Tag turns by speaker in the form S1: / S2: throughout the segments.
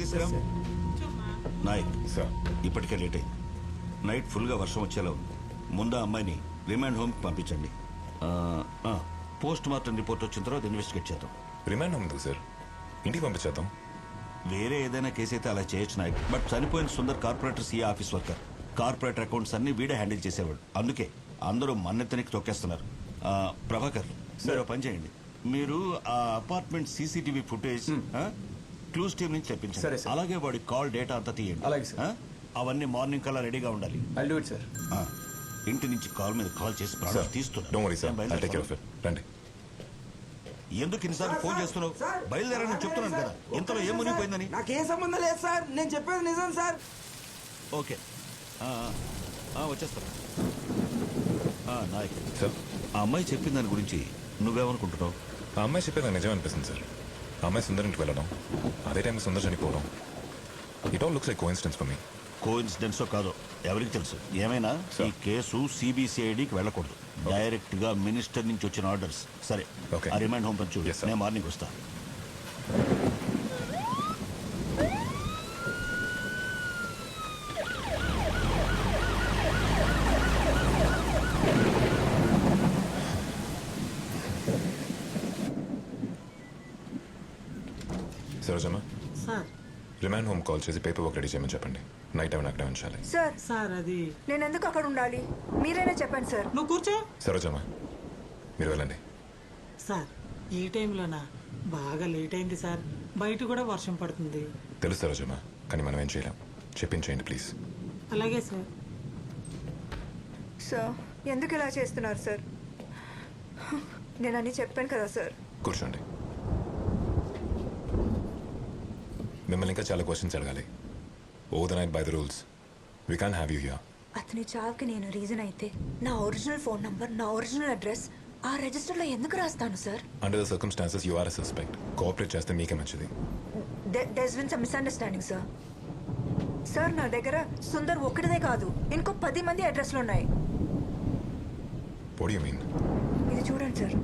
S1: వెంకటేశ్వరం Nayak
S2: sir
S1: ఇప్పటికే late అయింది. Night ఫుల్గా వర్షం వచ్చేలా ఉంది. ముందు ఆ అమ్మాయిని రిమాండ్ హోమ్కి పంపించండి. పోస్ట్ మార్టం రిపోర్ట్ వచ్చిన తర్వాత ఇన్వెస్టిగేట్ చేద్దాం.
S2: రిమాండ్ ఉంది సార్, ఇంటికి పంపించేద్దాం.
S1: వేరే ఏదైనా కేసు అయితే అలా చేయొచ్చు నాయక్. బట్ చనిపోయిన Sundar corporator CA office worker. Corporator accounts అన్ని వీడే హ్యాండిల్ చేసేవాడు. అందుకే అందరూ మన్నెత్తనికి తొక్కేస్తున్నారు. ప్రభాకర్ మీరు పని చేయండి. మీరు ఆ apartment CCTV footage clues team నుంచి తెప్పించండి. అలాగే వాడి కాల్ డేటా అంతా తీయండి. అవన్నీ మార్నింగ్ కల్లా రెడీగా ఉండాలి. ఇంటి నుంచి కాల్ మీద కాల్ చేసి ప్రాణాలు తీస్తున్నారు. ఎందుకు ఇన్నిసార్లు ఫోన్ చేస్తున్నావు? బయలుదేరని చెప్తున్నాను కదా. ఇంతలో ఏం మునిగిపోయిందని.
S3: నాకేం సంబంధం లేదు సార్, నేను చెప్పేది నిజం సార్.
S1: ఓకే వచ్చేస్తాను. నాయక్
S2: సార్,
S1: ఆ అమ్మాయి చెప్పిన దాని గురించి నువ్వేమనుకుంటున్నావు?
S2: ఆ అమ్మాయి చెప్పేది నిజం అనిపిస్తుంది సార్. ఆ అమ్మాయి సుందర్ ఇంటికి వెళ్ళడం, అదే టైం సుందర్ చనిపోవడం, it all looks like coincidence for me.
S1: కోఇన్సిడెన్సో కాదో ఎవరికి తెలుసు. ఏమైనా ఈ కేసు సిబిసిఐడికి వెళ్ళకూడదు. డైరెక్ట్ గా మినిస్టర్ నుంచి వచ్చిన ఆర్డర్స్. సరే, ఆ రిమాండ్ హోమ్ పంచు. నేను మార్నింగ్ వస్తా.
S2: Sarojamma,
S4: sir
S2: remand home call చేసి పేపర్ వర్క్ రెడీ చేయమని చెప్పండి. నైట్ టైం అక్కడే ఉంచాలి.
S5: సార్
S4: అది
S5: నేను ఎందుకు అక్కడ ఉండాలి? మీరైనా చెప్పండి సార్.
S4: నువ్వు కూర్చో.
S2: సరోజమ్మ, మీరు వెళ్ళండి.
S4: సార్ ఈ టైంలోనా? బాగా లేట్ అయింది సార్. బయట కూడా వర్షం పడుతుంది.
S2: తెలుసు సరోజమ్మ, కానీ మనం ఏం చేయలేం. చెప్పించేయండి ప్లీజ్.
S4: అలాగే సార్.
S5: సార్ ఎందుకు ఇలా చేస్తున్నారు సార్? నేను అన్నీ చెప్పాను కదా సార్.
S2: కూర్చోండి. మిమ్మల్ని ఇంకా చాలా క్వశ్చన్స్ అడగాలి. Over the night by the rules we can't have you here.
S5: అతని చావుకి నేను రీజన్ అయితే నా ఒరిజినల్ ఫోన్ నంబర్, నా ఒరిజినల్ అడ్రస్ ఆ రిజిస్టర్లో ఎందుకు రాస్తాను sir?
S2: Under the circumstances you are a suspect. Cooperate చేస్తే మీకే మంచిది.
S5: There's been some misunderstanding sir. Sir నా దగ్గర సుందర్ ఒక్కడిదే కాదు, ఇంకో 10 మంది అడ్రస్లు ఉన్నాయి.
S2: What do you mean?
S5: ఇది చూడండి సార్.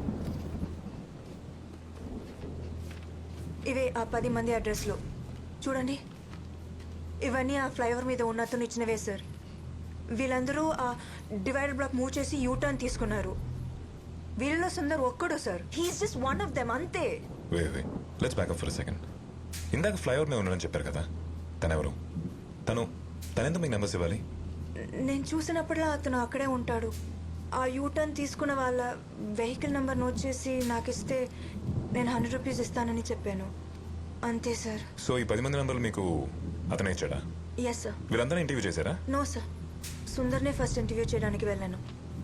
S5: ఇవే ఆ 10 మంది అడ్రస్లు. చూడండి, ఇవన్నీ ఆ ఫ్లైఓవర్ మీద ఉన్న అతను ఇచ్చినవే సార్. వీళ్ళందరూ ఆ డివైడర్ బ్లాక్ మూవ్ చేసి యూటర్న్ తీసుకున్నారు. వీళ్ళలో సుందర్ ఒక్కడు sir. He's just one of them, అంతే.
S2: Wait let's back up for a second. ఇందాక ఫ్లైఓవర్ మీద ఉన్నాడని చెప్పారు కదా, తనెవరు? తనెందుకు మీకు నెంబర్స్ ఇవ్వాలి?
S5: నేను చూసినప్పుడల్లా అతను అక్కడే ఉంటాడు. ఆ యూటర్న్ తీసుకున్న వాళ్ళ వెహికల్ నెంబర్ నోట్ చేసి నాకు ఇస్తే నేను 100 రూపీస్ ఇస్తానని చెప్పాను, అంతే సార్.
S2: సో ఈ 10 మంది నెంబర్లు మీకు అతనే ఇచ్చాడా?
S5: Yes sir.
S2: వీళ్ళందరూ ఇంటర్వ్యూ చేశారా?
S5: నో సార్, సుందర్నే ఫస్ట్ ఇంటర్వ్యూ చేయడానికి వెళ్ళాను.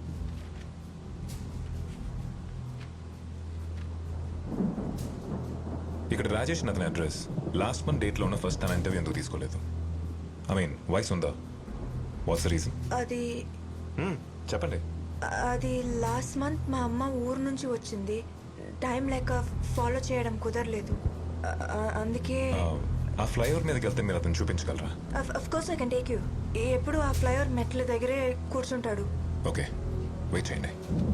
S2: ఇక్కడ రాజేష్ అతని అడ్రస్ లాస్ట్ మంత్ డేట్లో ఉన్న ఫస్ట్ తన ఇంటర్వ్యూ ఎందుకు తీసుకోలేదు? ఐ మీన్ వాయిస్ ఉందా? What's the reason?
S5: అది
S2: చెప్పండి.
S5: అది లాస్ట్ మంత్ మా అమ్మ ఊరు నుంచి వచ్చింది. టైం లేక ఫాలో చేయడం కుదరలేదు, అందుకే.
S2: ఆ ఫ్లైఓవర్ మీదకి వెళ్తే మీరు అతను చూపించగలరా?
S5: Of course I can take you. ఎప్పుడు ఆ ఫ్లైఓవర్ మెట్ల దగ్గరే కూర్చుంటాడు.
S2: ఓకే, వెయిట్ చేయండి.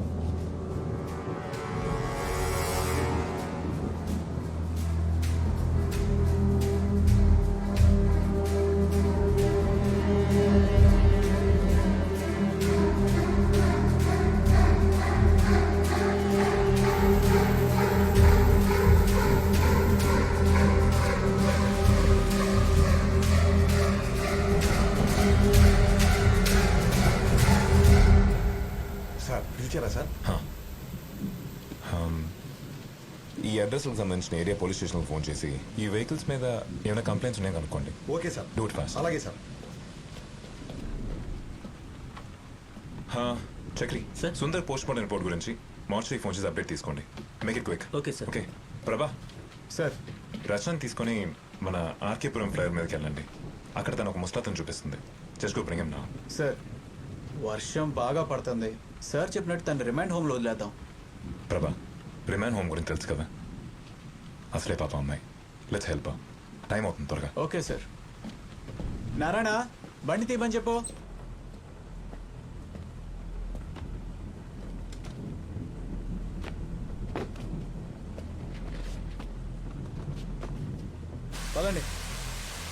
S2: ఈ అడ్రస్కి సంబంధించిన ఏరియా పోలీస్ స్టేషన్కి ఫోన్ చేసి ఈ వెహికల్స్ మీద ఏమైనా కంప్లైంట్స్ ఉన్నాయో కనుక్కోండి.
S6: Okay sir.
S2: Do it fast.
S6: అలాగే sir.
S2: Chakri sir, Sundar post mortem report గురించి మార్చి ఫోన్ చేసి అప్డేట్ తీసుకోండి. Make it quick.
S4: Okay sir.
S2: Okay Prabha
S6: sir,
S2: Rachana తీసుకొని మన ఆర్కేపురం ఫ్లైఓవర్ మీదకి వెళ్ళండి. అక్కడ తను ఒక ముస్తాతను చూపిస్తుంది. Just go bring him now.
S3: Sir వర్షం బాగా పడుతుంది సార్, చెప్పినట్టు తను రిమాండ్ హోమ్లో వదిలేద్దాం.
S2: ప్రభా, రిమాండ్ హోమ్ గురించి తెలుసు కదా, అసలే పాప అమ్మాయి. Let's help. టైం అవుతుంది, త్వరగా.
S3: Okay sir. నారాయణ, బండి తీయమని చెప్పు. పదండి.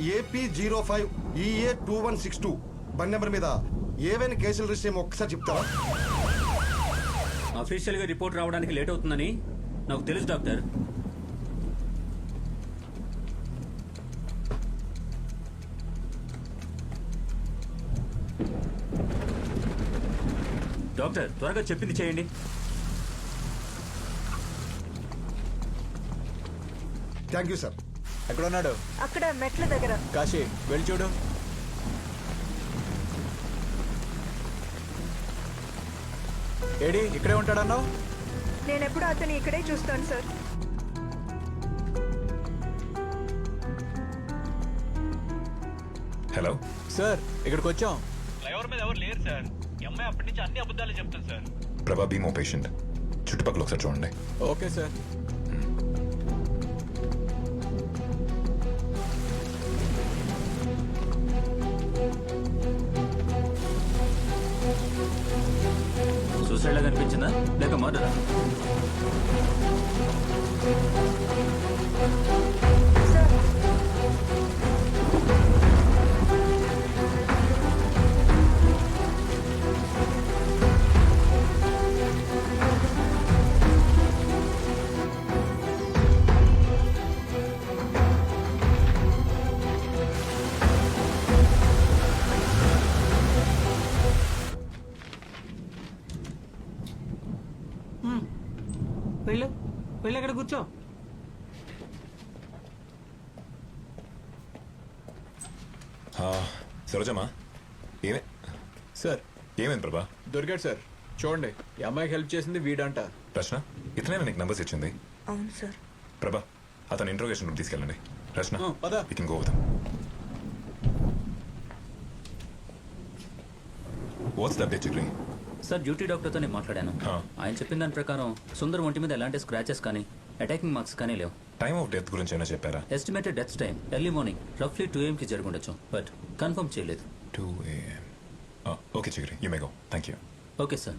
S6: AP05EA2162 బండి నెంబర్ మీద ఏవైనా కేసులు రిజిస్టర్ ఏమో ఒక్కసారి చెప్తారా?
S7: అఫీషియల్గా రిపోర్ట్ రావడానికి లేట్ అవుతుందని నాకు తెలుసు డాక్టర్. డాక్టర్ త్వరగా చెప్పింది చేయండి.
S6: Thank you sir.
S3: ఎక్కడ ఉన్నాడు?
S5: అక్కడ మెట్ల దగ్గర.
S3: కాశీ వెళ్ళి చూడు. ఏడి ఇక్కడే ఉంటాడన్నావు?
S5: నేను ఎప్పుడు అతని ఇక్కడే చూస్తాను సార్.
S2: హలో
S3: సార్ ఇక్కడికి వచ్చాం.
S7: ఫ్లైఓవర్ మీద ఎవరు లేరు సార్. అమ్మాయి అప్పటి నుంచి అన్ని అబద్ధాలు చెప్తాను సార్.
S2: ప్రభా బీమో పేషెంట్, చుట్టుపక్కల ఒకసారి చూడండి.
S3: Okay sir.
S7: సూసైడ్ లాగా అనిపించిందా లేక మర్డరా?
S5: సార్
S4: వెళ్ళు వెళ్ళి అక్కడ కూర్చో.
S2: సరోజమ్మా, ఏమే
S3: సార్
S2: ఏమైంది ప్రభా?
S3: దొరికాడు సార్. చూడండి, ఈ అమ్మాయికి హెల్ప్ చేసింది వీడంట.
S2: రచన ఇతనే నీకు నంబర్స్ ఇచ్చింది.
S5: అవును సార్.
S2: ప్రభా అతను ఇంట్రోగేషన్ రూమ్ తీసుకెళ్ళండి. రచన
S3: పద.
S2: we can go with him. What's the update, Chikri?
S7: Sir duty డాక్టర్తో నేను మాట్లాడాను. ఆయన చెప్పిన దాని ప్రకారం సుందర్ ఒంటి మీద ఎలాంటి స్క్రాచెస్ కానీ అటాకింగ్ మార్క్స్ కానీ లేవు.
S2: టైమ్ ఆఫ్ డెత్ గురించి ఏమైనా చెప్పారా?
S7: Estimated death time early morning రఫ్లీ 2 AM జరుగుండొచ్చు, బట్ కన్ఫర్మ్ చేయలేదు.
S2: 2 AM. Okay Chikri, you may go. Thank you.
S7: Okay sir.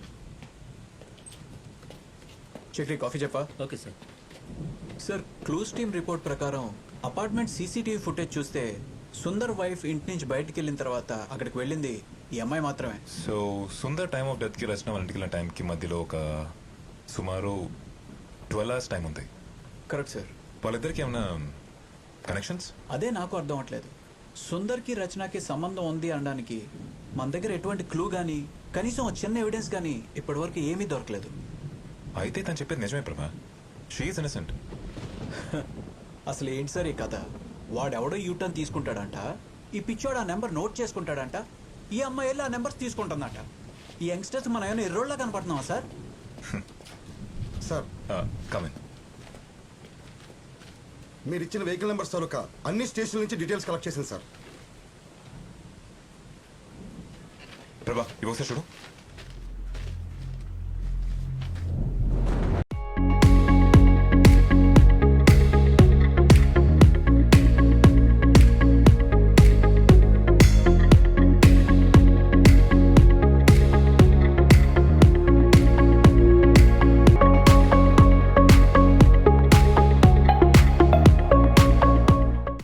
S3: Chakri coffee చెప్పా?
S7: Okay sir.
S3: Sir clues team report ప్రకారం అపార్ట్మెంట్ సీసీటీవీ ఫుటేజ్ చూస్తే సుందర్ వైఫ్ ఇంటి నుంచి బయటికి వెళ్ళిన తర్వాత అక్కడికి వెళ్ళింది ఈ అమ్మాయి మాత్రమే.
S2: So Sundar time of death కి రచన వాళ్ళ ఇంటికి వెళ్ళిన టైంకి మధ్యలో ఒక సుమారు 12 hours టైం ఉంది.
S3: Correct sir.
S2: వాళ్ళిద్దరికి ఏమైనా కనెక్షన్స్?
S3: అదే నాకు అర్థం అవట్లేదు. సుందర్కి రచనకి సంబంధం ఉంది అనడానికి మన దగ్గర ఎటువంటి క్లూ కానీ కనీసం ఒక చిన్న ఎవిడెన్స్ కానీ ఇప్పటివరకు ఏమీ దొరకలేదు.
S2: అయితే తను చెప్పేది నిజమే ప్రభా. She is innocent.
S3: అసలు ఏంటి సార్ ఈ కథ? వాడెవడో యూటర్న్ తీసుకుంటాడంట, ఈ పిచ్చోడు ఆ నెంబర్ నోట్ చేసుకుంటాడంట, ఈ అమ్మాయి వెళ్ళి ఆ నెంబర్స్ తీసుకుంటుందంట. ఈ యంగ్స్టర్స్ మనం ఏమైనా ఎర్రోళ్ళ కనపడుతున్నావా సార్?
S6: Sir
S2: come in.
S6: మీరు ఇచ్చిన వెహికల్ నెంబర్స్ తాలూకా అన్ని స్టేషన్ల నుంచి డీటెయిల్స్ కలెక్ట్ చేసింది సార్.
S2: ప్రభా ఇవి ఒకసారి చూడు.